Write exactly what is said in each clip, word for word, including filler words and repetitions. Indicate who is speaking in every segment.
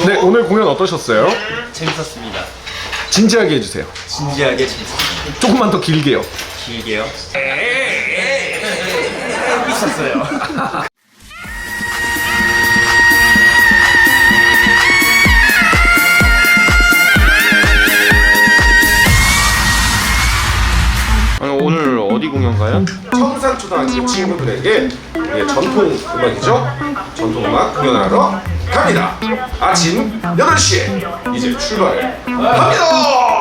Speaker 1: 네, 오늘 공연 어떠셨어요?
Speaker 2: 재밌었습니다.
Speaker 1: 진지하게 해주세요.
Speaker 2: 진지하게 재밌었습니다.
Speaker 1: 조금만 더 길게요.
Speaker 2: 길게요. 있었어요.
Speaker 3: 오늘 어디 공연 가요?
Speaker 1: 청산초등학교 친구들에게 예, 전통 음악이죠. 전통 음악 공연을 하러 갑니다. 아침 여덟 시에 이제 출발을 합니다.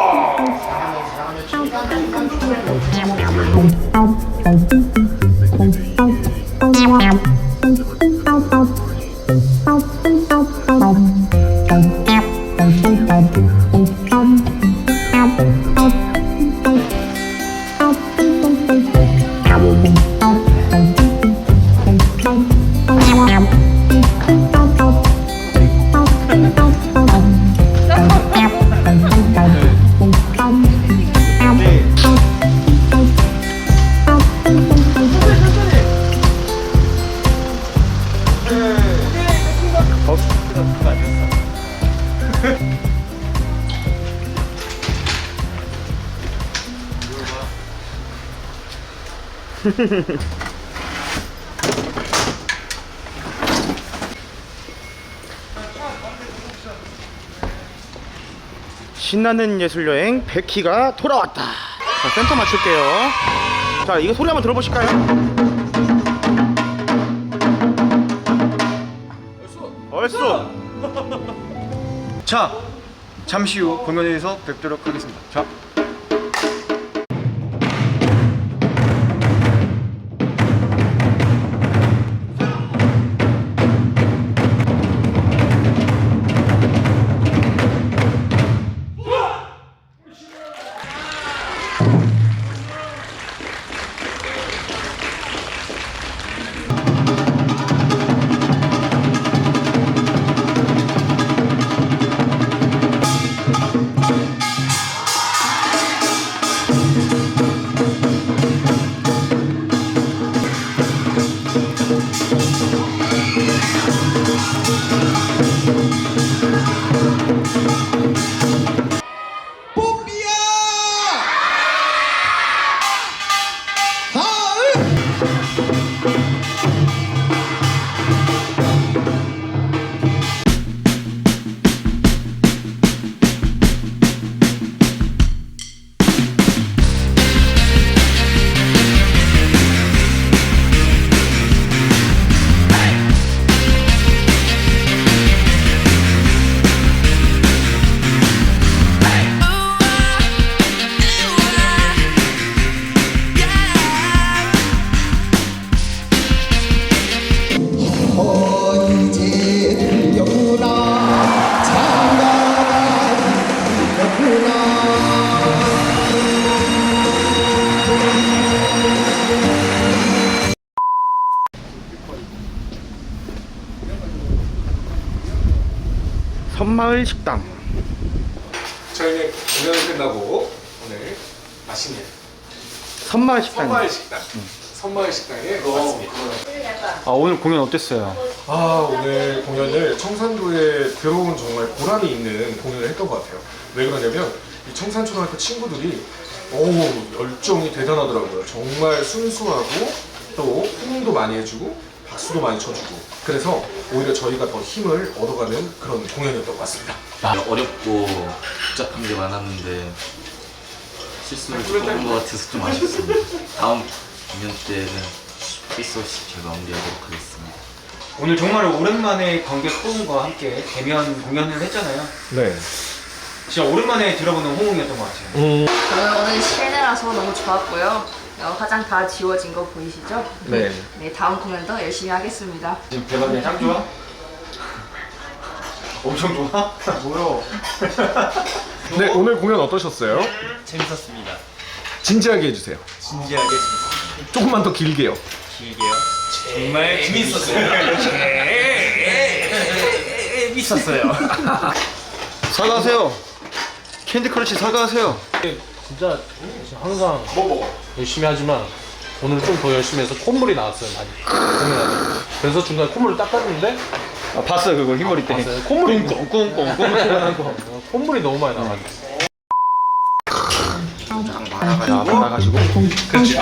Speaker 3: 신나는 예술여행 백희가 돌아왔다. 자, 센터 맞출게요. 자, 이거 소리 한번 들어보실까요? 얼쑤. 자, 잠시 후 공연에서 뵙도록 하겠습니다. 자. 섬마을 식당.
Speaker 1: 저희는 공연을 끝나고 오늘 맛있는
Speaker 3: 섬마을 식당.
Speaker 1: 섬마을 식당, 응. 섬마을 식당에 왔습니다.
Speaker 3: 아, 오늘 공연 어땠어요?
Speaker 1: 아, 오늘 공연을 청산도에 들어온 정말 보람이 있는 공연을 했던 것 같아요. 왜 그러냐면 이 청산초등학교 친구들이 어우 열정이 대단하더라고요. 정말 순수하고 또 호응도 많이 해주고 박수도 많이 쳐주고 그래서 오히려 저희가 더 힘을 얻어가는 그런 공연이었던 것 같습니다.
Speaker 4: 어렵고 복잡한 게 많았는데 실수를 좀 한 것 같아서 좀 아쉽습니다. 다음 공연 때는 실수 없이 잘 마무리하도록 하겠습니다.
Speaker 2: 오늘 정말 오랜만에 관객 호응과 함께 대면 공연을 했잖아요.
Speaker 1: 네.
Speaker 2: 진짜 오랜만에 들어보는 호응이었던 것 같아요.
Speaker 1: 음.
Speaker 5: 저는 오늘 실내라서 너무 좋았고요. 어, 화장 다 지워진 거 보이시죠?
Speaker 1: 네.
Speaker 5: 네, 다음 공연도 열심히 하겠습니다.
Speaker 2: 지금 대박이야. 짱 좋아? 엄청 좋아? 뭐요?
Speaker 1: 네, 오늘 공연 어떠셨어요?
Speaker 2: 재밌었습니다.
Speaker 1: 진지하게 해주세요.
Speaker 2: 진지하게 재밌었습니다.
Speaker 1: 조금만 더 길게요.
Speaker 2: 길게요. 정말 재밌었어요. 재밌었어요.
Speaker 3: 사과하세요. 캔디 크러쉬 사과하세요.
Speaker 6: 진짜 항상 열심히 하지만 오늘 좀 더 열심히 해서 콧물이 나왔어요 많이 공연하다. 그래서 중간에 콧물을 닦았는데
Speaker 3: 아, 봤어요 그거 흰머리 때.
Speaker 6: 콧물이 꽁꽁꽁꽁 하는 거. 콧물이 너무 많이 나가지고.
Speaker 3: 자, 받아가지고.
Speaker 1: 그렇지.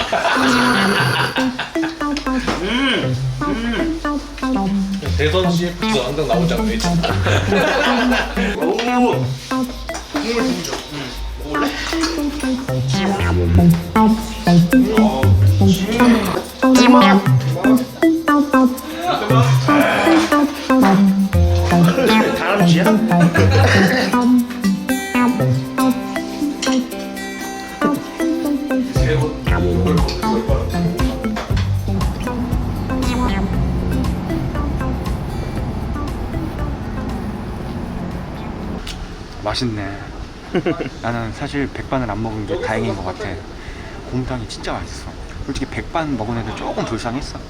Speaker 6: 대선 씨에프도 항상 나오잖아요.
Speaker 3: 다람쥐야?
Speaker 7: 맛있네. 나는 사실 백반을 안 먹은 게 다행인 것 같아. 곰탕이 진짜 맛있어. 솔직히 백반 먹은 애들 조금 불쌍했어.